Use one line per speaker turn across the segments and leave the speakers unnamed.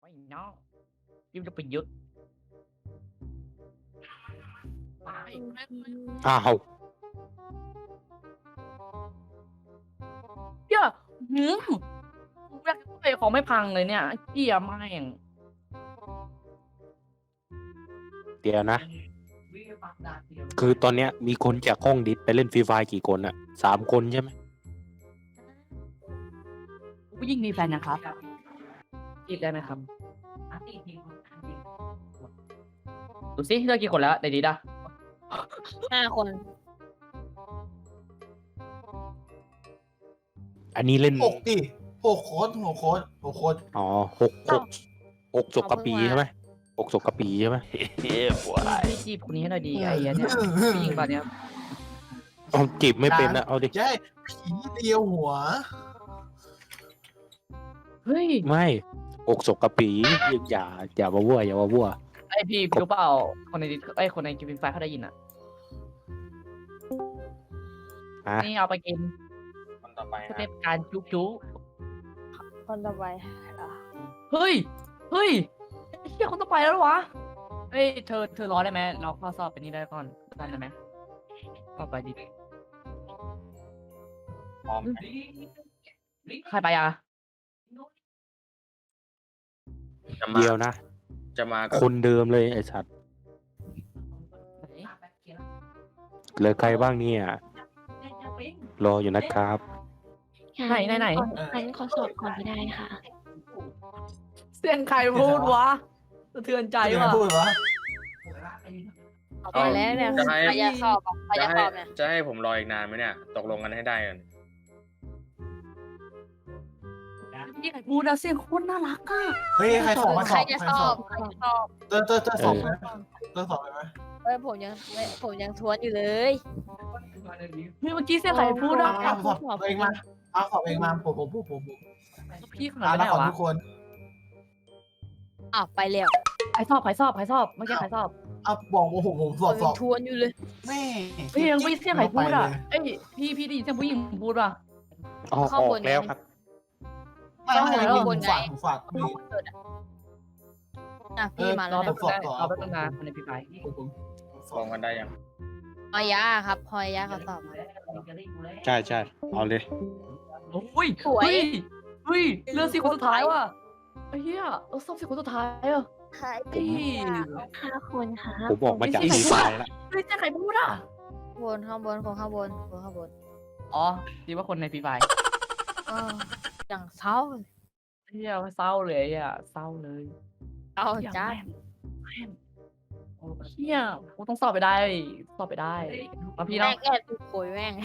ไม่เนาะยิ่งจะประยุทธ์ไป
อ้าว
เหี้ยหืมอยากไปของไม่พังเลยเนี่ยเหี้ยแม่ง
เดี๋ยวนะ คือตอนเนี้ยมีคนจากห้องดิสไปเล่นฟรีไฟกี่คนอะ3 คนใช่ไหม
ผู้หญิงมีแฟนนะครับจีบได้ไหมครับดูสิเลือกกี่คนแล้วในดีด้ะ
5 คน
อันนี้เล่น
6 ดิ 6 คน
อ๋อหกศพกระปีใช่ไหม6 ศพกระปีใช่ไหม
พี่จีบคนนี้ให้หน่อยดีไอ้เหี้ยเนี่ยผู้หญิงตอนเนี้ย
เอาจีบไม่เป็นนะเอาดิ
ใช่ผีเดียวหัว
เฮ้ย
ไม่6 ศพกระปีอย่ามาวัวอย่ามาวัว
ไอพี่รู้เปล่าคนในดิไอคนในกิฟต์ไฟเขาได้ยินอ่ะ
ฮะ
นี่เอาไปกิน
คนต่อไป
สเต็ปการจุ๊จุ๊
คนต่อไปอ่ะ
เฮ้ยไอ้เฮียคนต่อไปแล้วเหรอวะเฮ้ยเธอรอได้ไหมเราเข้าสอบเป็นนี้ได้ก่อนได้ไหมเข้าไปดิ
พร้อม
ใครไปอ่ะ
เดียวนะ
จะมากับ
คนเดิมเลยไอ้สัตว์เหลือใครบ้างเนี่ยรออยู่นะครับ
ไหน
งั้นขอสอบก่อนก็ได้ค่ะ
เสียงใครพูดวะสะเทือนใจว่ะ
พูดวะ
เอาไปแล้วเนี่ย
จะให้
ใครจะสอบอ่ะใครจะสอบเนี่ย
จะให้ผมรออีกนานไหมเนี่ย ตกลงกันให้ได้กัน
นี่ใครพูดอะเสียงโคตรน่ารักอ่ะ
เฮ้ยใครสอบมาส
ใคร
อบ
จะสอบใครจะสอบ
เตอสอบไหมเตอสอบไหม
ผมยังทวนอยู่เลย
เฮ้ยเมื่อกี้เสียงใครพูดอ่ะ
สอบเองมาสอบเองมาผม
พี่ขนาด
แล้
นั้
วน ขอ
เหรอวะ
ทุกคน
อ้าวไปแล้ว
ใครสอบเมื่อกี้ใครสอบ
บอกว่าผมส
ผ
อบ
มยังทวนอยู่เลย
แม่
เฮ้ยยังไม่เสียงใครพูดอ่ะเอ้ยพี่ได้ยินเสียงผู้หญิงพูดป่ะ
ออกแล้วครับ
ไม่ฝาก
อ่ะพี่มา
ร
แล้
อ
ว
แป๊
นะ
บนึงรอแป๊บนึงนะคนในพี่ไป
ตกลงกันได้ยัง
พอยาครับพอยาเขาสอบมา
ใช่เอาเลย
โอ้ย
สวย
เฮ้ยเลือกสี่คนสุดท้ายว่ะไอ้เหี้ยเราสอบสี่คนสุดท้ายอ่ะ
ใช่
เฮ้ย
5 คนค่ะ
ผมออกมาจากฟรีไฟแล้ว
เฮ้ยเสียงใครพูดอ่ะ
ข้างบนคนข้างบน
อ๋อคิดว่าคนในพี่ไป
อ้าวอย่างเศร้า
เฮียเศร้าเลยอ่ะเศร้าเลย
เอาจ้า
เฮียกูต้องสอบไปได้มาพี่
แม่
เนาะ
งแอบดูโผยแม่ง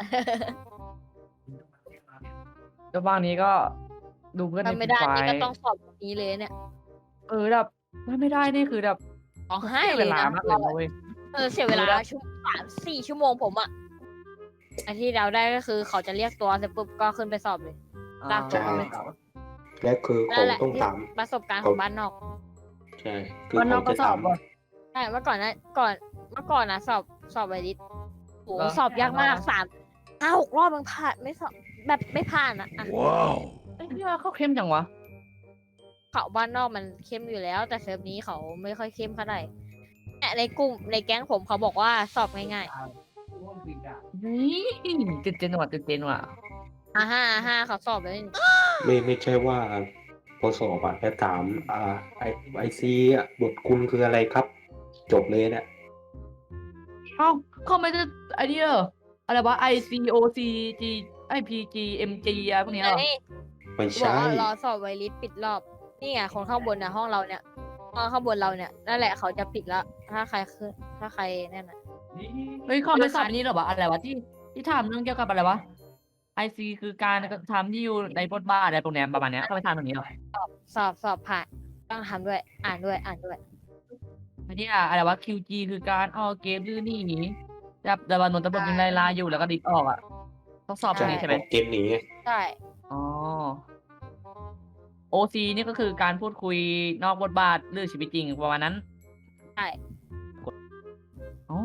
แล้วบ้างนี้ก็ดูเพื่อนใน
ทำไม่
พี่
ได้
ไป
นี่ก็ต้องสอบแบบนี้เลยเนี่ย
แบบถ้าไม่ได้นี่คือแบบ
ต้องให้
เสีย
เล
เวย ลา
นะ
มากเลยนะเว้ย
เสียเวลา3-4 ชั่วโมงผมอะไอที่เราได้ก็คือเขาจะเรียกตัวเสร็จปุ๊บก็ขึ้นไปสอบเลย ลากตัวไปสอบ
และคือผ
นั่
ม
นแหละ
ต้อง
ที่
ถาม
ประสบการณ์ของบ้านนอก
ใช่คือ
บ้าน
ผ
นอก
ม
ก็
จะ
สอ
ถา
บ
ม
ว่ะ
ใช่เมื่อก่อนนะสอบไวริสโห
เหรอ
สอบยากมาก5-6 รอบมันผ่านไม่สอบแบบไม่ผ่านอะ
ไอ้เฮียเขาเข้มจังวะ
เขาบ้านนอกมันเข้มอยู่แล้ว แต่เทอมนี้เขาไม่ค่อยเข้มเท่าไหร่เนี่ยในกลุ่มในแก๊งผมเขาบอกว่าสอบง่าย
นี่ตื่นเต้นว่ะ
ๆ5เขาสอบเลย
ไม่ใช่ว่าพอสอบอะจะถามไอซีบทคุณคืออะไรครับ จบเลยเนี่ย
เอ้าเขาไม่ได้ไอเดียอะไรวะ ICOC G IPG MG อะไรพวกนี้เหรอ
นี่
ไม่
บอก
ใช่
ว่ารอสอบไวริสปิดรอบนี่ไงคนข้างบนนะห้องเราเนี่ยห้องข้างบนเราเนี่ยนั่นแหละเขาจะปิดแล้วถ้าใครนั่นน่ะ
เฮ้ยเขาไม่สอบอันนี้เหรอวะอะไรวะที่ถามเรื่องเกี่ยวกับอะไรวะ IC คือการกระทำที่อยู่ในบทบาทอะไรพวกเนี้ยประมาณเนี้ยเขาไม่ถามตรงนี้หรอ
สอบผ่านต้องทำด้วยอ่านด้วย
อันนี้อะไรวะ QG คือการเอาเกมลื่นหนีจับดาบานนตะบกยิงไล่ลาอยู่แล้วก็ดิดออกอ่ะต้องสอบตรงนี้ใช่ไหม
เกมหนี
ใช่
อ๋อ OC นี่ก็คือการพูดคุยนอกบทบาทเรื่องชีวิตจริงประมาณนั้น
ใช่
อ๋อ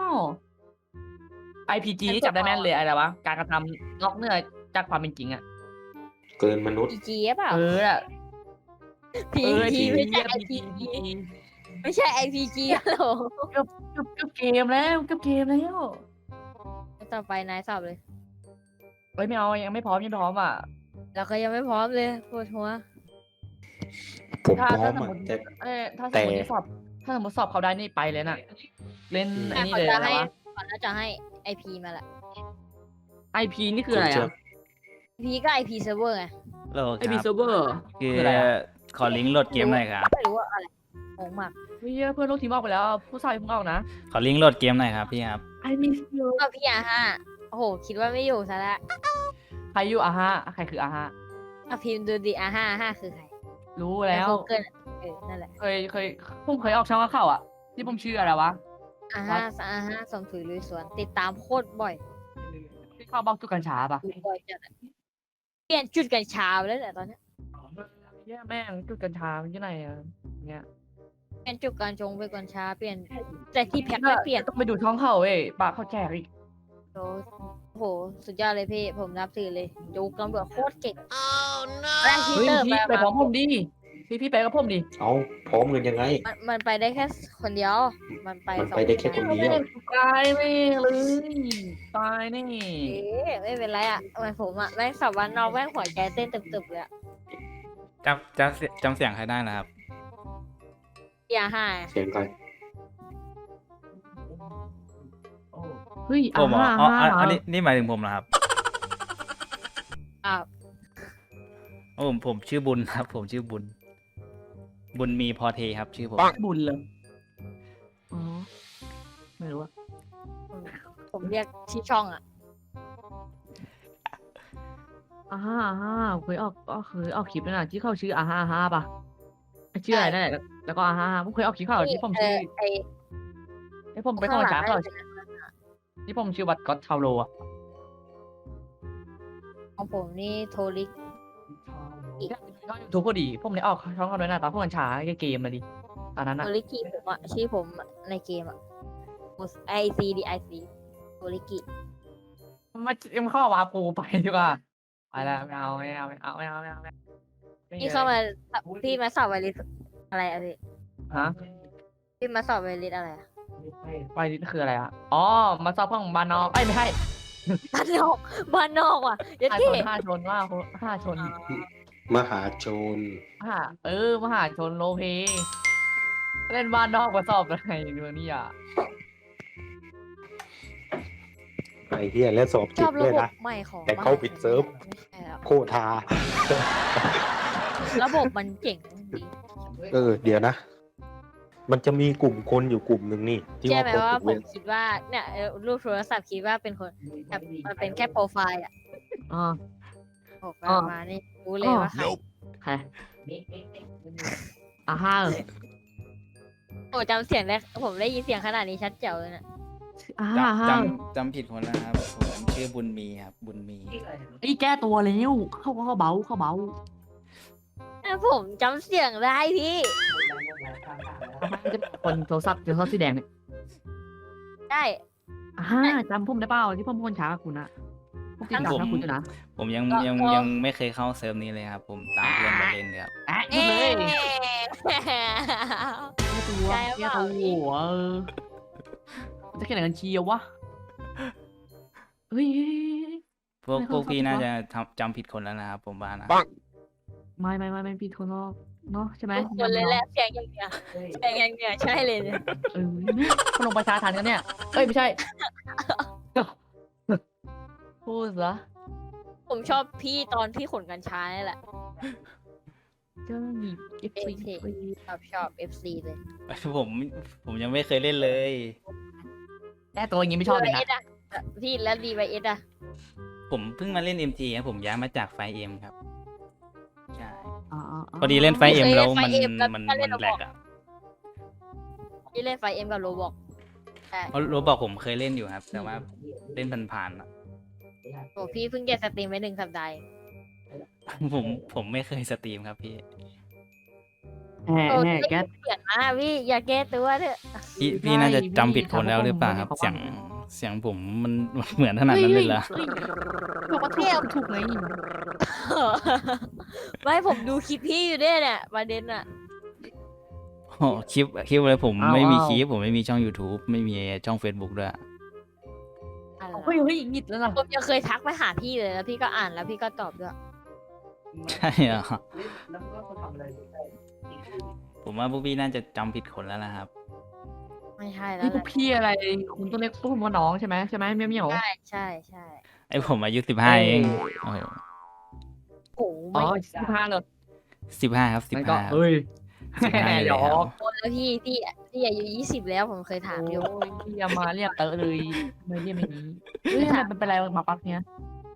IPG นี่จับได้แม่นเลยอะไรวะ การกระทำนอกเหนือจากความเป็นจริงอ่ะ
เกินมนุษย์
จีเปล่า
อะ
PVP ไม่ใช่
พี
IPG ไม่ใช่ IPG ฮัลโหล
กับเกมแล้วกับเกมแล้ว
ต่อไปนายสอบเลย
เฮ้ยไม่เอายังไม่พร้อมยังไม่พร้อมอ่ะ
เราก็ยังไม่พร้อมเลยปวดหัว
ผมพร้อ
ถ้าม สม
อ่ะ
มติ
แต่
ถ้าสมมติสอบถ้าสมมติสอบเขาได้นี่ไปเลยน่ะ เล่นอันนี้
เขา
เลย
จะ
นะ
ให้
วะ
ก่อนแล้วจะให้ IP มาละ
IP นี่คืออะไร
ผมเชื่
อ่ะ
IP ก็ IP server ไง
โลค
IP
รับ
server
คือ
คืออะไรอะ
ขอลิงก์โหลดเกมหน่อยครับ
ไม่รู้ว่าอะไรงงมาก
เฮ้ยเพื่อนลูกทีมออกไปแล้ว ผู้ชายเพิ่งออกนะ
ขอลิงก์โหลดเกมหน่อยครับพี่ครับ
I miss you
ก็พี่อาห้าโอ้โห คิดว่าไม่อยู่ซะแล้ว
ใครอยู่อาฮะใครคืออาฮะ
อ่ะพิมพ์ดูดิอาห้าคือใคร
รู้แล้ว
เกินนั่นแหละ
เคยผมเคยออกช่องข่าวอ่ะ ที่ผมชื่ออะไรวะ
อาห้าสมถุยลุยสวน ติดตามโคตรบ่อย
ที่เข้าบอกจุดกัญชาปะ
ดูบ่อยจัดอะเปลี่ยนจุดกัญชาไปแล้วเนี่ยตอนเนี้ย
เหี้ยแม่งจุดกัญชามันที่ไหนอ่ะเนี่ย
เปลี่ยนจุดการจงไปกัญชาเปลี่ยนแต่ที่แพ็คไม่เปลี่ยน
ต้องไปดูช่องเขาเว้ยปะเขาแจกอีก
โอ้โห สุดยอดเลยพี่ ผมนับถือเลยดูตำรวจโคตรเก่งแรกที
เฮ้ย
เตอร์
พี่ไปพร้อมผมดิพี่ไปกับผมดิ
เอาพร้อมกันยังไง
มันไปได้แค่คนเดียว มันไป
มัน
สอง
ไปได้แค่คนเดียว
ตายแม่เลยตายแน่
เอ๊ะไม่เป็นไรอ่ะทำไมผมอ่ะแม่งสอบวันนอกแม่งหัวใจเต้นตึบๆเลยอ่ะ
จำเสียงใครได้นะครับ
อย่าห้า
เสียงใคร
เฮ้ย
ผมเหรอ
อ่า
อ๋อ
ฮะ
อันนี้นี่หมายถึงผมเหรอครับ
อ้าว
โอ้ผมชื่อบุญครับ ผมชื่อบุญ บุญมีพอเทครับ ชื่อผม
บุญเลยอ๋อไม่รู้อะ
ผมเรียกที่ช่องอ่ะ
อ่าฮะเคยออกคลิปนั่นน่ะที่เขาชื่ออ่าฮะป่ะชื่ออะไรนั่นแหละแล้วก็อ่าฮะผมเคยออกคลิปเขาที่ผมชื่อ
ไอ้
ไอ้ผมไปเข้าช้าเขาที่ผมชื่อวัดก็อตชาวโลอะ
ของผมนี่โทริก
ก็ยูทูบพอดีผมเลยออกช่องเขาด้วยนะตอนพวกมันช้าเกมมาดิตอนนั้น
โท
อะ
ริกิผมอ่ะชื่อผมในเกมอ่ะ ICDIC โทริกิ
มันเข้าวาปูไปดีกว่าไปแล้วไม่เอา
พี่เข้ามาพี่มาสอบไวริสอะไรอะพี่
ฮะ
พี่มาสอบไวริสอะไรอะ
ไปนี่คืออะไรอะอ๋อมาสอบห้องบ้านนอกไม่ใช่
บ้านนอกบ้านนอกว่ะเยัด
ห้า
เก้
ชนว่าห้าชน
มหาโจร
มหาชนโลเพเล่นบ้านนอกมาสอบอะไรเรื่องนี้อ่ะ
ไอ้เหี้ยแล้วสอบ
ช
จิ
อ
ต
บ
ด้
ระ
วย
บบ
นะ
ใหม่ของ
แต่เข้าผิดเซิร์ฟ
ไม่ใช่แล้ว
โคทา
ระบบมันเจ๋งดี
เดี๋ยวนะ มันจะมีกลุ่มคนอยู่กลุ่มหนึ่งนี่ ที่
ใช่
ว่า
ไหม
คน
ว่า
ถูก
ผ
เว้
ม
น
คิดว่าเนี่ยรูปโทรศัพท์คิดว่าเป็นคนแบบมันเป็นแค่โปรไฟล์อ่ะ
อ๋อ
บอก
อ๋อ
มานี่รู้เลยว่าใคร
ใครห้า
โอ้จำเสียงได้ผมได้ยินเสียงขนาดนี้ชัดเจ๋วเลยนะ
จำผิดคนแล้วนะครับ ผมชื่อบุญมีครับ บุญมี
ไอ้แก้ตัวแล้วเข้าเบา
ผมจำเสียงได้พี่
จะเป็นคนโทรศัพท์สีแดงเนี่ย
ได้
จำผมได้เปล่าที่ผมคนช้ากับคุณอะผมติดตามกับคุณอยู่นะ
ผมยังไม่เคยเข้าเซิร์ฟนี้เลยครับ ผมตามเพื่อนมาเล่นเลยครับ
หยุดเลย
เอ๊ะ
แก้ตัว
ใจเปล่า
จะแค่ไหนกันเชียววะเฮ้ย ไม่เข้า
พวกพี่
เข้า
น่า
เข้า
จะจำผิดคนแล้วนะครับ ผมว่านะ
ไม่ผิดคนหรอกเนาะใช่ไหม
ทุกคนเลยแหละเสียงอย่างเงี้ยเสียงอย่างเงี้ยใช่เลยเนี่ย
พลงประชาทันกันเนี่ยเอ้ยไม่ใช่ พูดซะ
ผมชอบพี่ตอนที่ขนกัญชานี่แหละ
ก็มีเอฟซี
ชอบ FC เลย
ผมยังไม่เคยเล่นเลย
แก้ตัวอย่างงี้ไม่ชอบเลยนะ
DYS อะพี่แล้ว DYS อ่ะ
ผมเพิ่งมาเล่น MG ครับผมย้ายมาจากไฟเอ็มครับ ใช่
พ
พอดีเล่นไฟเอ็ม
เคยเล่น
แล้ว
ไฟ
มัน
เอ็มแล้ว
มัน
ก็เล่น
แหลกอ่ะ
พี่เล่นไฟเอ็มกับโรบอก
เพราะรู้บอกผมเคยเล่นอยู่ครับ แต่ว่าเล่นผ่านๆอะ
โอ้พี่เพิ่งแกะสตรีมไป1 สัปดาห์
ผมไม่เคยสตรีมครับพี่
โอ้
แห่แก้
เปลี่ยนมาพี่อย่าแก้ตัวเถอะ
พี่น่าจะจำผิดคนแล้วหรือเปล่าครับ เสียงเสียงผมมันเหมือนขนาดนั้นเลยเหรอ
บอกว่าถูกไง
ไม่ผมดูคลิปพี่อยู่ด้วยเนี่ยประเด็นอะ
โอ้คลิปอะไรผมไม่มีคลิปผมไม่มีช่อง YouTube ไม่มีช่อง Facebook ด้วย
อะไร
เฮ้ยหงิดแล้วนะ
ผมยังเคยทักไปหาพี่เลยแล้วพี่ก็อ่านแล้วพี่ก็ตอบด้วย
ใช่เหรอผมว่าพวกพี่น่าจะจำผิดคนแล้วนะครับ
ไม่ใช่แล้ว
นี่พ
แห
ว
ละ
กพี่อะไรคุณต้องเรียกพวกผมว่าน้องใช่ไหมเมี่ยว
ใช่ใช่ใช่
ไอผมอายุ15เองโอ้โห
โอ้โห
อ๋
ไม่
อ15เลย
15 ครับ
มันก็
15
เฮ้ย
15เลย
หยอ
ครับ
ก
โตแล้วพี่อายุ20แล้วผมเคยถามอยู่
โอ้ยพี่อย่ามาเรียกเตอะเลยไม่เรียกไม่นี้เฮ้ยทำไมมันเป็นอะไรมาปักเนี้ย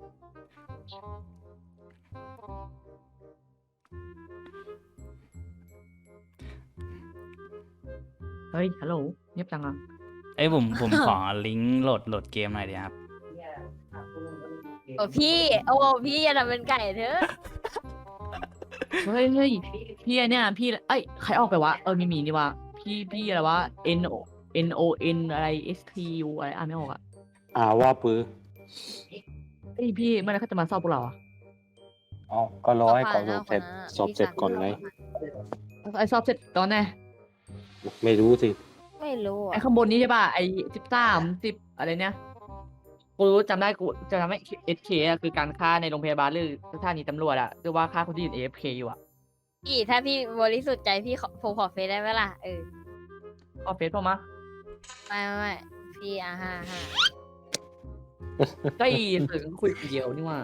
เฮ้ยฮัลโหลเงียบจังอ่ะ
ไอยผมขอลิงก์โหลดเกมหน่อยดีครับ
โอ้พี่อย่าทำเป็นไก่เถอะ
เฮ้ยพี่ไอเนี่ยพี่เอ้ยใครออกไปวะมีนี่วะพี่อะไรวะ NON อะไร STU อะไรอ่านไม่ออกอ่ะ
ว่าปื้อ
เฮ้ยพี่เมื่อไหร่เขาจะมาสอบพวกเราอ่ะ
อ๋อก็รอให้เขาสอบเสร็จก่อนไง
ไอสอบเสร็จตอนไหน
ไม่รู้สิ
ไม่รู้
ไอ
อะ
ข้างบนนี้ใช่ป่ะไอ13 10อะไรเนี่ยกูรู้จำได้กูจะทำให้ SK อะคือการฆ่าในโรงพยาบาลหรือสถานีตำรวจอะคือว่าฆ่าคนที่อยู่ AFK อยู่อะ
พี่ถ้าพี่บริสุทธิ์ใจพี่ผมขอเฟซได้ไหมล่ะ
ขอเฟซผมมา
ไม่พี่ห้า
ก็อีสื่อคุยคนเดียวนี่ว่า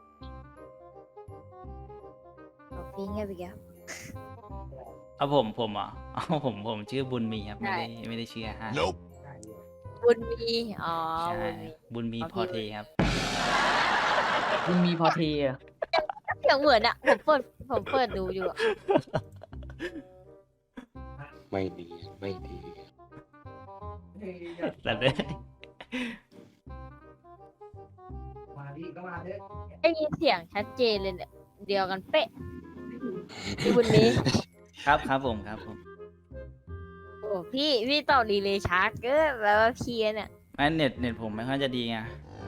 พี่เงียบอีกแล้ว
เอาผมเหรอเอาผมชื่อบุญมีครับไม่ได้ชื่อฮะ
บุญมีอ๋อ
ใช่
บุญมี
บุญมีพอเทครับ
มันมีพอเทอะ
เสียงเหมือนอะผมเปิดดูอยู่อะ
ไม่ดี
แต่เด้
ได้ยินเสียงชัดเจนเลยเนี่ยเดียวกันเป๊ะพี่บุญมี
ครับผม
โอ้พี่ต่อรีเลย์ช้าเกินแบบว่าเพี้ยนเนี่ย
ไม่เน็ตผมไม่ค่อยจะดีไง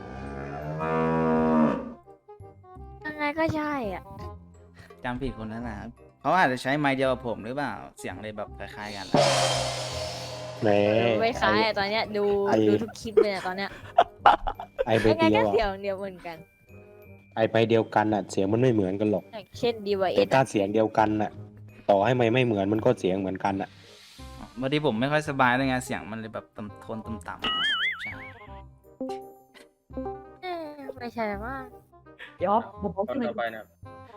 ยังไงก็ใช่อ่ะ
จำผิดคนแล้วนะครับเขาอาจจะใช้ไมค์เดียวกับผมหรือเปล่าเสียงเลยแบบคล้ายๆกัน
แหม
ไม่คล้ายอะตอนเนี้ยดูทุกคลิปเลยอะตอนเนี้ย
ไอใบ
ยังไง
เดีย
ก็
ว
เสีย
อะ
งเดียวเหมือนกัน
ไอใบเดียวกันอ่ะ เสียงมันไม่เหมือนกันหรอก
อย่างเช่นดีวายเอ
แต่
ส
ถ้าเสียงเดียวกันอ่ะ ต่อให้ไม่เหมือนมันก็เสียงเหมือนกันอ่ะ
บางทีผมไม่ค่อยสบายเลยไงเสียงมันเลยแบบโทนต่ำๆใช่
ไม่ใช่ว่า
เดี๋ยวผม
คนต่อไปนะครับ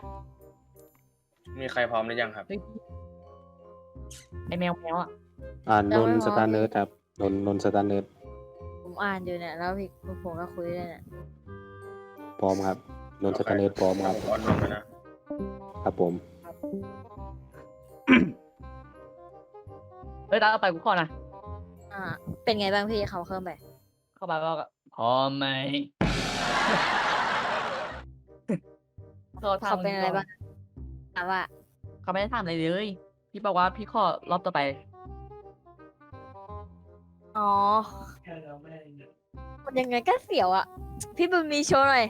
มีใครพร้อมหรือยังครับ
ไอแมวอะ
นนสตาร์เนิร์ดครับนนสตาร์เนิร์ด
ผมอ่านอยู่เนี่ยแล้วพี่ผมก็คุยเลยเนี่ย
พร้อมครับนนสตาร์เนิร์ดพร้อมครับ
ผมออนลงแล้วนะครับ
ผม
เฮ้ยตาเอาไปกูขอนะ
เป็นไงบ้างพี่เขาเพิ่มไป
เข้าไปบอกพร้อมไหม
เขาเป็นอะไรบ้างถามว่า
เขาไม่ได้ทำอะไรเลยพี่บอกว่าพี่ขอรอบต่อไป
อ๋อมันยังไงก็เสียวอ่ะพี่บุญมีโชว์หน่อย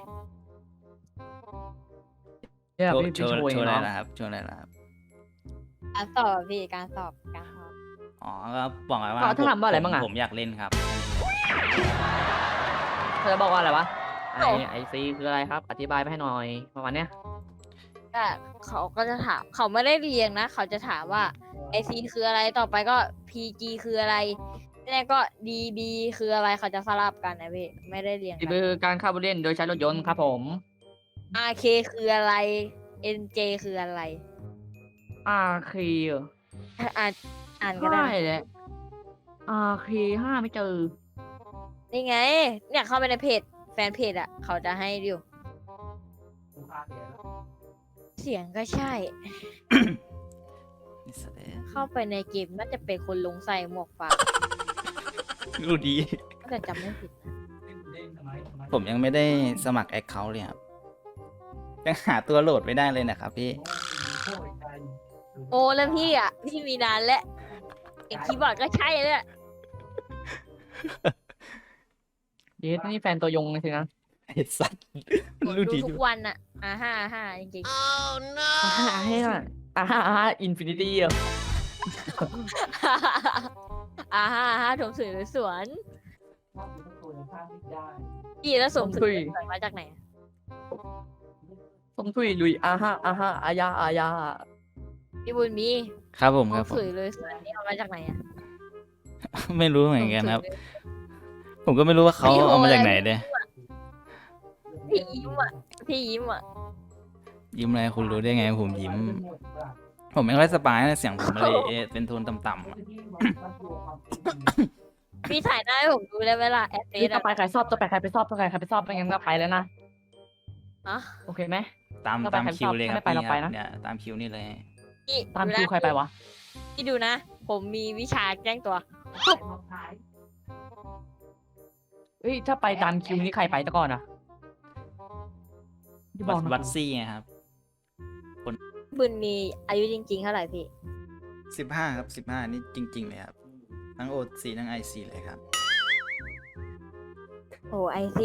เนี่ยพี่
โช
โช
ว์
ว์เอง
อะไร
เนาะ
นะครับโชว์อะไรนะครับ
การสอบพี่การสอบ
อ๋อก็บอกไว้ว่า
เขาถามว่าอะไรบ้างอะ
ผมอยากเล่นครับ
เธอบอกว่าอะไรวะไอซีคืออะไรครับ อธิบายไปให้หน่อยประมาณเนี้ย
ก็เขาก็จะถามเขาไม่ได้เรียงนะเขาจะถามว่าไอซีคืออะไรต่อไปก็ PG คืออะไรแล้วก็ DB คืออะไรเขาจะสลับกันนะพี่ไม่ได้เรียง
นี่
กัน
คือการขับรถเล่นโดยใช้รถยนต์ครับผม
RK คืออะไร NJ คืออะไร
RK
อ่านก็ได้
ใช่แหละ RK 5ไม่เจอ
นี่ไง เนี่ยเข้าไปในเพจแฟนเพจอ่ะ เขาจะให้ดูเสียงก็ใช่
นี่แสดง
เข้าไปในเกมน่าจะเป็นคนลงใส่หมวกฟ้า
รู้ดี
ถ้าจะจำไม่ผิดนะ
ผมยังไม่ได้สมัครแอคเคาท์เลยครับยังหาตัวโหลดไม่ได้เลยนะครับพี่
โอ้แล้วพี่อ่ะ พี่มีนานแล้วเอกคีย์บอร์ดก็ใช่เลย
เยสนี่แฟนตัวยงเลยสินะ
ไอ้สัตว์
ผม
รู้
ดู
ดี
ทุกวันอะอ่าจริง
ให้หน่อยอินฟินิตี้อ่ะ
ๆถมสวยสวนพี่แล้วสมสวยมาจากไหนอะ
สมทุยลุยอายา
พี่บุญมี
ครับผม
ส
ครับ
ม
ผม
สวยเลยสวนนี่เอามาจากไหนอะ
ไม่รู้เหมือนกันครับ
สมสวยเลย
ผมก็ไม่รู้ว่าเขา
พี่โห
เอามาจาก
อะไร
ไหนเลย
พี่ยิ้มอะพี่ยิ้มอะ
ยิ้มอะไรคุณรู้ได้ไงผมยิ้ม ผมไม่ค่อยสบายนะเสียงผมเลยเป็นโทนต่ำๆอะ
พี่ถ่ายหน้าให้ผมดูได้ไหมล่ะแอดเฟ
นี่
ซ
ต่อ
อะ
ไปใครสอบต่อไปใครไปสอบต่อไปใครไปสอบไม่งั้นก็ไปแล้วนะ
อะ
โอเคไหม
ตาม
เราไป
ตาม
ใคร
คิวเลยครับ
ไม่ไปเราไปนะ
เนี่ยตามคิวนี่เลย
พี่
ตาม
ดู
คิว
นะ
ใครไปวะ
พี่ดูนะ ผมมีวิชาแจ้งตัว
เอ้ยถ้าไปตามคิวนี่ใครไปแต่ก่อนอ่ะที่บอกนะ
วัดซี่ไงครับ
บุญมีอายุจริงๆเท่าไหร่พี่
15ครับ15นี่จริง ๆ เลยครับ ทั้ง OC ทั้ง IC เลยครับ
โอ้ไอซี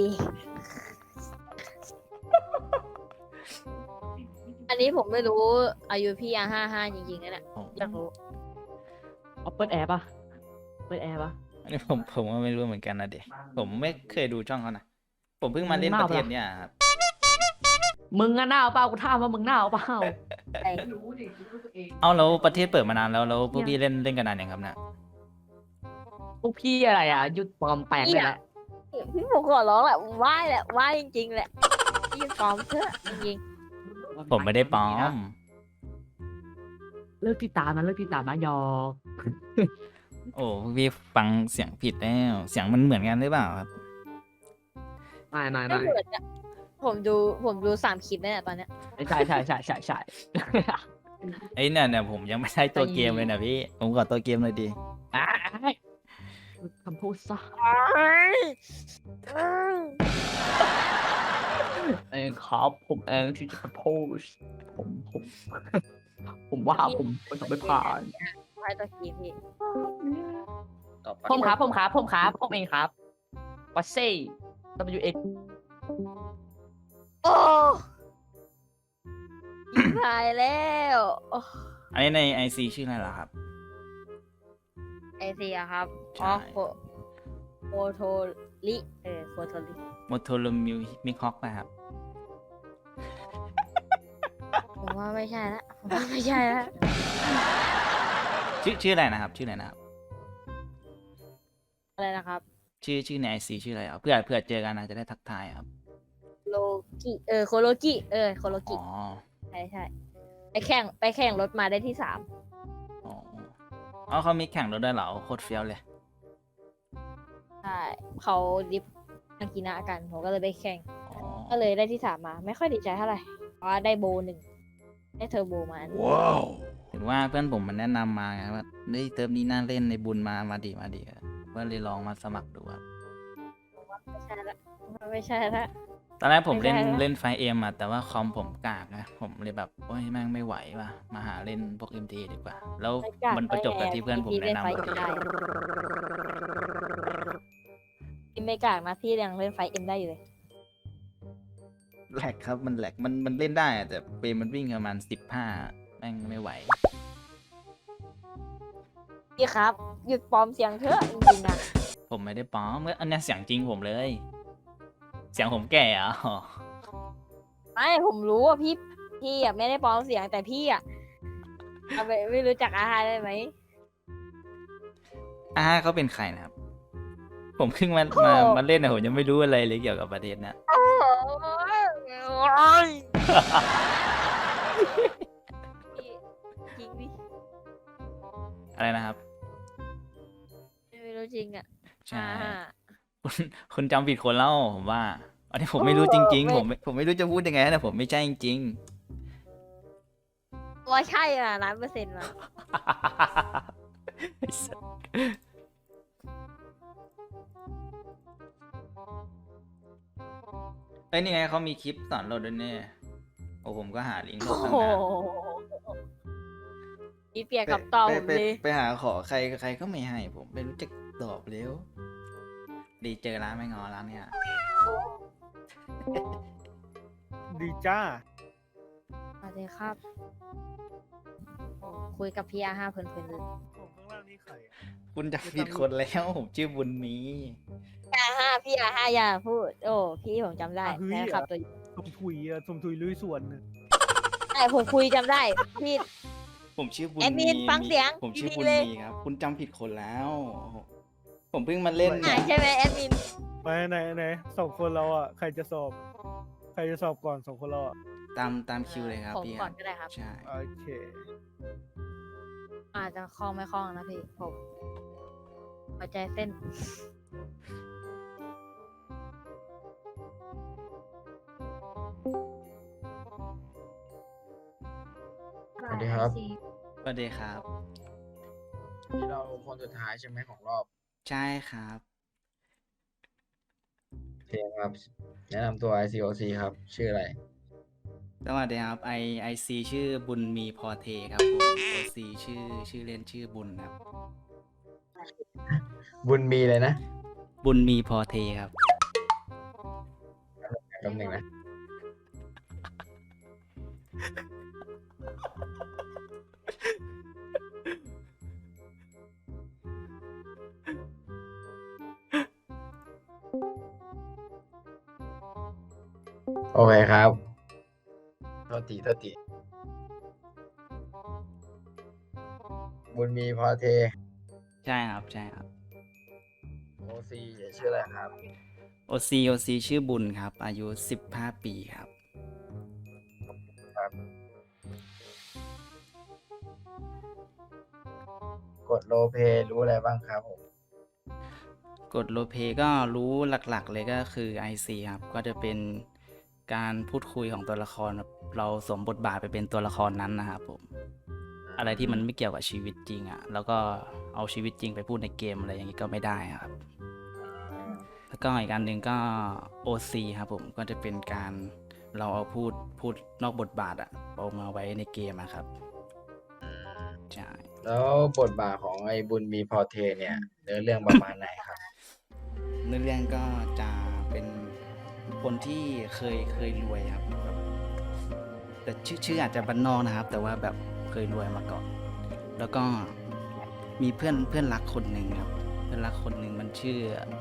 อันนี้ผมไม่รู้อายุพี่55จริงๆนะเนี่ยอยากรู้
เอาเปิดแอร์ป่ะเปิดแอร์ป่ะ
อันนี้ผมก็ไม่รู้เหมือนกันนะเด็กผมไม่เคยดูช่องเขานะ ผมเพิ่งมาเล่นประเทศเนี่ยครับ
มึงอะหน้าเปล่ากูถามว่ามึงหน้าเปล่า
ไอ้
เอาแล้วประเทศเปิดมานานแล้วพวกพี่เล่นกันนานยังครับเนี่ย
พวกพี่อะไรอ่ะหยุดปลอมแปลงเลยแหละ
พี่ผมขอร้องแหละไหว้แหละไหว้จริงๆแหละพี่ปลอมเถอะจริง
ผมไม่ได้ปลอม
เลิกติดตามนะเลิกติดตามนะยอก
โอ้พวกพี่ฟังเสียงผิดแล้วเสียงมันเหมือนกันหรือเปล่าครับ
ไม่
ๆไม่เหมือนอะผมดู3 คลิปแล้วเนี่ยตอนเนี้ย
ใช่
ไอ้เนี่ยผมยังไม่ได้ตัวเกมเลยนะพี่ ผมขอตัวเกมเลยดี
คำพูดซะเองครับผมเองที่จะโพสผมว่าผมทำไม่ผ่าน
ไหว้ตัวคลิปพี่
ต่อไป
ผมครับผมเองครับวัตเซ่ WX
โอ้ยิบหายแล้วโอ้
อันนี้ใน IC ชื่ออะไรล่ะครับ
ไอเสียครับ
ใช่
โฟโทลิโฟโทลิ
โมโทโรมิวมิคอกนะครับ
ผมว่าไม่ใช่ละผมว่าไม่ใช่ละ
ชื่ออะไรนะครับ ชื่ออะไรนะครับ
อะไรนะครับ
ชื่อใน IC ชื่ออะไรครับเผื่อเจอกันนะจะได้ทักทายครับ
โลกิโคโลกิโคโลกิ
อ๋อ
ใช่ไปแข่งรถมาได้ที่ 3
อ๋อเขามีแข่งรถด้วยเหรอโคตรเฟี้ยวเลย
ใช่เขาดิฟอากินะกันผมก็เลยไปแข่ง
อ๋อ
ก็เลยได้ที่ 3 มา ไม่ค่อยดีใจเท่าไหร่เพราะว่าได้โบ 1ได้เทอร์โบมาอันหนึ่ง
ถึงว่าเพื่อนผมมันแนะนำมาไงว่าเฮ้ยเติมนี้น่าเล่นในบุญมาดีก็เลยลองมาสมัครดูครับ
ไม่ใช่ละไม่ใช่ละ
ตอนแรกผมเล่น
ไม่ได้นะ
เล่นไฟเอ็มอะแต่ว่าคอมผมกากนะผมเลยแบบโอ้ยแม่งไม่ไหวว่ะมาหาเล่นพวก MT ดีกว่า แล้วมันประจบกับที่เพื่อนผมแนะนำ
พี่ไม่กากนะพี่ยังเล่นไฟเอ็มได้อยู่เลย
แหลกครับมันแหลกมันเล่นได้อะแต่เฟรมมันวิ่งประมาณ15แม่งไม่ไหว
พี่ครับหยุดปลอมเสียงเถอะจริงๆนะ
ผมไม่ได้ปลอมอันเนี้ยเสียงจริงผมเลย เสียงผมแก่เหรอ่ะ
ไม่ผมรู้ว่าพี่อ่ะไม่ได้ปลอมเสียงแต่พี่อ่ะเอาไปไม่รู้จักอาหารได้ไหม
เขาเป็นใครนะครับ ผมเพิ่งมาเล่นนะผมยังไม่รู้อะไรเลยเกี่ยวกับประเด็นนะ
โอ้ยจริงดิ
อะไรนะครับ
ไม่รู้จริงอ่ะ
ใช่
อ่า
คุณจำผิดคนแล้วผมว่า อันนี้ผมไม่รู้จริงๆ ผมไม่รู้จะพูดยังไงนะผมไม่ใช่จริง
ว่าใช่อ่ะ100%มา
ไอ้สัสเอ้ยนี่ไงเขามีคลิปสอนเราด้วยเนี่ยโอ้ผมก็หาลิงก์โหล
โอ้
ดตั้ง
โห
นาน
พี่เปียกกับต่อผมเลย
ไปหาขอใครก็ไม่ให้ผมไม่รู้จะตอบเร็วดีเจอร้านไม่งอร้านเนี่ย
ดีจ้า
สวัสดีครับโอ้คุยกับพี่อาห้าเพลินๆเลย
ผมข้างล่างนี่ใครอะ
คุณจะผิดคนแล้วผมชื่อบุญมี
พี่อาห้าอย่าพูด โอ้พี่ผมจำได้แฟนคลับตัว
สมถุยอะสมถุยลุยสวนน่ะ
ใช่ผมคุยจำได้พี่
ผมชื่อบุญ
แอดมิ
มี
นฟังเสียง
ผมชื่อ
ดีๆ
บุญ
เลย
มีครับ คุณจำผิดคนแล้ว ผมเพิ่งมาเล่น
หายใช่ไหมแอดมิน
ไปไหนสองคนเราอ่ะใครจะสอบ ใครจะสอบก่อนสองคนเราอ่ะ
ตามคิวเลยครับ
ผม
พี่
ก่อนก็ได้ครับ
ใช่
โอเค
อาจจะคล่องไม่คล่องนะพี่ผมหัวใจเต้น
สวัสดีครับ
สวัสดีครับ
นี่เราคนสุดท้ายใช่ไหมของรอบ
ใช่ครับ
โอเคครับ แนะนำตัว ICOC ครับ ชื่ออะไร
สวัสดีครับไอซีชื่อบุญมีพอเทครับผมโอซีชื่อเล่นชื่อบุญครับ
บุญมีเลยนะ
บุญมีพอเทครับ
แป๊บหนึงนะ โอเคครับโทษทีบุญมีพอเท
ใช่ครับใช่ครับ
โอซีชื่ออะไรครับ
โอซีชื่อบุญครับ อายุ15 ปีครับ
กดโลเพรู้อะไรบ้างครับผม
กดโลเพก็รู้หลักๆเลยก็คือ IC ครับ ก็จะเป็นการพูดคุยของตัวละครครับเราสวมบทบาทไปเป็นตัวละครนั้นนะครับผม อะไรที่มันไม่เกี่ยวกับชีวิตจริงอ่ะ แล้วก็เอาชีวิตจริงไปพูดในเกมอะไรอย่างนี้ก็ไม่ได้ครับ แล้วก็อีกอันหนึ่งก็ OC ครับผม ก็จะเป็นการเราเอาพูดนอกบทบาทอะเอามาไว้ในเกมอะครับ ใช่
แล้วบทบาทของไอ้บุญมีพอเทเนี่ยเนื้อเรื่องประมาณไหนครับ
เนื้อเรื่องก็จะเป็นคนที่เคยรวยครับแบบแต่ชื่ออาจจะบ้านนอกนะครับ แต่ว่าแบบเคยรวยมาก่อน แล้วก็มีเพื่อนรักคนหนึ่งครับ เพื่อนรักคนหนึ่งมันชื่อ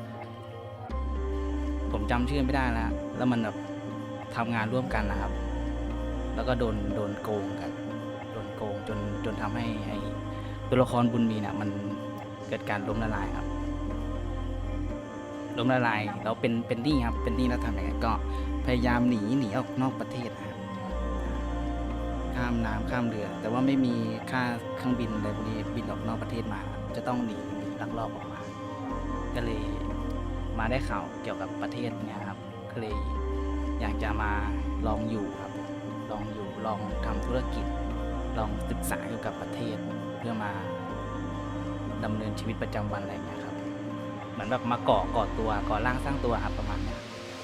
ผมจำชื่อไม่ได้แล้วมันแบบทำงานร่วมกันนะครับ แล้วก็โดนโกงกันโดนโกงจนทำให้ไอ้ตัวละครบุญมีเนี่ยมันเกิดการล้มละลายครับ ล้มละลายแล้วเป็นหนี้ครับเป็นหนี้แล้วทำยังไงก็พยายามหนีออกนอกประเทศนะครับข้ามน้ำข้ามเรือ แต่ว่าไม่มีค่าเครื่องบินอะไรพวกนี้บินออกนอกประเทศมาครับจะต้องหนีลักลอบออกมา ก็เลยมาได้ข่าวเกี่ยวกับประเทศเนี่ยครับก็เลยอยากจะมาลองอยู่ครับลองทำธุรกิจ ลองศึกษาเกี่ยวกับประเทศเพื่อมาดำเนินชีวิตประจำวันอะไรอย่างเงี้ยครับ เหมือนแบบมาก่อตัวก่อร่างสร้างตัวครับประมาณเนี้ย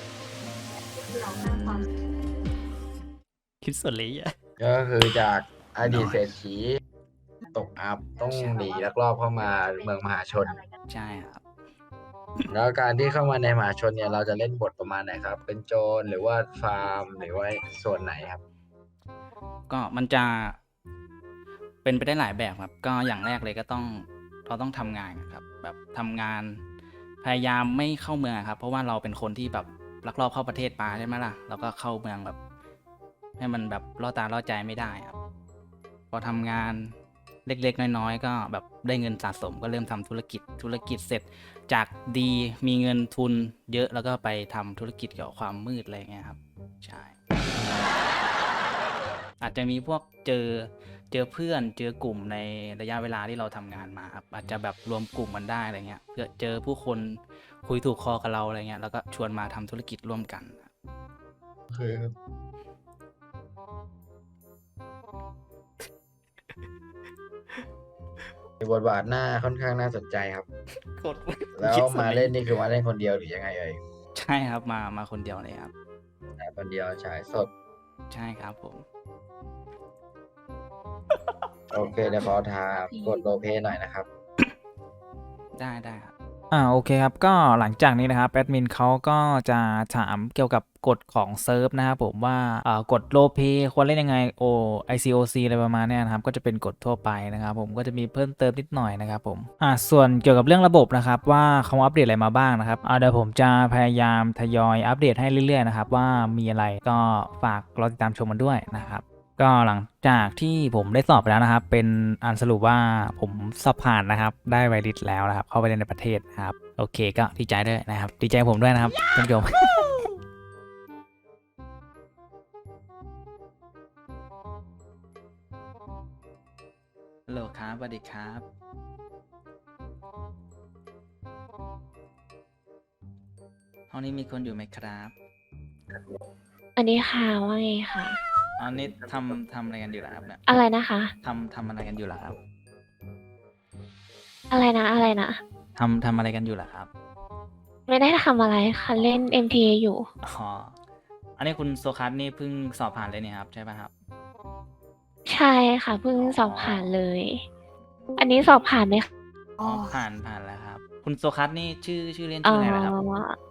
คิดส่วนเลยอ่ะ
ก็คือจากอดีตเศรษฐีตกอับต้องหนีลักลอบเข้ามาเมืองมหาชน
ใช่ครับ
แล้วการที่เข้ามาในมหาชนเนี่ยเราจะเล่นบทประมาณไหนครับ เป็นโจรหรือว่าฟาร์มหรือว่าส่วนไหนครับ
ก็มันจะเป็นไปได้หลายแบบครับ ก็อย่างแรกเลยก็เราต้องทำงานครับ แบบทำงานพยายามไม่เข้าเมืองครับ เพราะว่าเราเป็นคนที่แบบลักลอบเข้าประเทศมาใช่ไหมล่ะเราก็เข้าเมืองแบบ ให้มันแบบล่อตาล่อใจไม่ได้ครับ พอทำงานเล็กๆน้อยๆก็แบบได้เงินสะสมก็เริ่มทำธุรกิจเสร็จจากดีมีเงินทุนเยอะแล้วก็ไปทำธุรกิจเกี่ยวกับความมืดอะไรเงี้ยครับใช่ อาจจะมีพวกเจอเพื่อนเจอกลุ่มในระยะเวลาที่เราทำงานมาครับอาจจะแบบรวมกลุ่มกันได้อะไรเงี้ยเพื่อเจอผู้คนคุยถูกคอกับเราอะไรเงี้ยแล้วก็ชวนมาทำธุรกิจร่วมกันครับ
คือ บทบาทหน้าค่อนข้างน่าสนใจครับ
กด
แล้วมาเล่นนี่คือมาเล่นคนเดียวหรือยังไงเอ่ย
ใช่ครับมาคนเดียวเลยครับ
แต่คนเดียวฉายสด
ใช่ครับผม
โอเคเดี๋ยวขอถามกดโลเพหน่อยนะครับ
ได้ครับ
โอเคครับก็หลังจากนี้นะครับแอดมินเขาก็จะถามเกี่ยวกับกฎของเซิร์ฟนะครับผมว่ากฎโลเพควรเล่นยังไงICOC อะไรประมาณเนี้ยนะครับก็จะเป็นกฎทั่วไปนะครับผมก็จะมีเพิ่มเติมนิดหน่อยนะครับผมส่วนเกี่ยวกับเรื่องระบบนะครับว่าเขาอัปเดตอะไรมาบ้างนะครับเดี๋ยวผมจะพยายามทยอยอัปเดตให้เรื่อยๆนะครับว่ามีอะไรก็ฝากรอติดตามชมมันด้วยนะครับก็หลังจากที่ผมได้สอบไปแล้วนะครับเป็นอันสรุปว่าผมสอบผ่านนะครับได้ไวริสแล้วนะครับเข้าไปเรียนในประเทศนะครับโอเคก็ดีใจด้วยนะครับดีใจผมด้วยนะครับท่านผู้ชม ฮัลโหลครับสวัสดีครับห้องนี้มีคนอยู่ไหมครับ
อันนี้ค่ะว่าไงค่ะ
อันนี้ทำอะไรกันอยู่ล่ะครับเนี่ย
อะไรนะคะ
ทำอะไรกันอยู่ล่ะครับ
อะไรนะอะไรนะ
ทำอะไรกันอยู่ล่ะครับ
ไม่ได้ทำอะไรค่ะเล่น MTA อยู่
อ๋ออันนี้คุณโซคัสนี่เพิ่งสอบผ่านเลยเนี่ยครับใช่ป่ะครับ
ใช่ค่ะเพิ่งสอบผ่านเลย อันนี้สอบผ่านไหมคะ
อ๋อผ่านแล้วครับ คุณโซคัสนี่ชื่อเล่น
เอ่
ชื่ออะไรนะครับ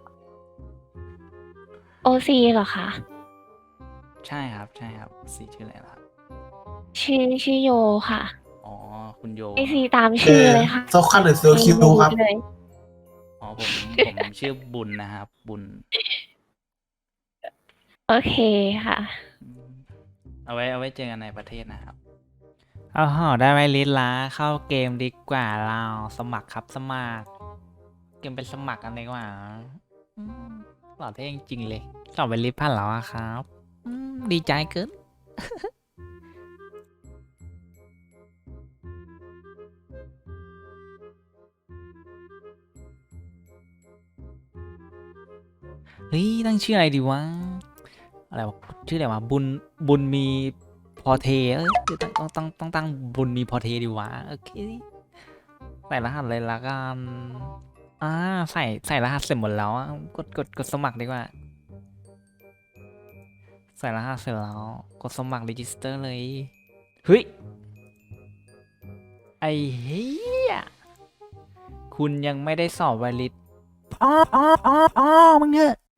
OC เหรอคะ
ใช่ครับสีชื่ออะไรล่ะครับ
ชื่อโยค่ะ
อ๋อคุณโย
OC ตามชื่อเลยค่ะ
โซคันหรือโซคิวครับ
เลย
อ๋อผมชื่อบุญนะครับบุญ
โอเคค่ะ
เอาไว้เจอกันในประเทศนะครับได้ไหมลิสละเข้าเกมดีกว่าเราสมัครครับสมัครเกมเป็นสมัครกันดีกว่าหล่อเท่จริงๆเลยสอบไปลิสผ่านแล้วอะครับดีใจเกิน เฮ้ยตั้งชื่ออะไรดีวะอะไรวะชื่ออะไรวะบุญมีพอเทต้องตั้งบุญมีพอเทดีวะโอเคใส่รหัสเลยละกันใส่รหัสเสร็จหมดแล้วกดสมัครดีกว่าใส่รหัสเสร็จแล้วกดสมัครรีจิสเตอร์เลยเฮ้ยไอ้เหี้ยคุณยังไม่ได้สอบไวลิสมึงเหอะ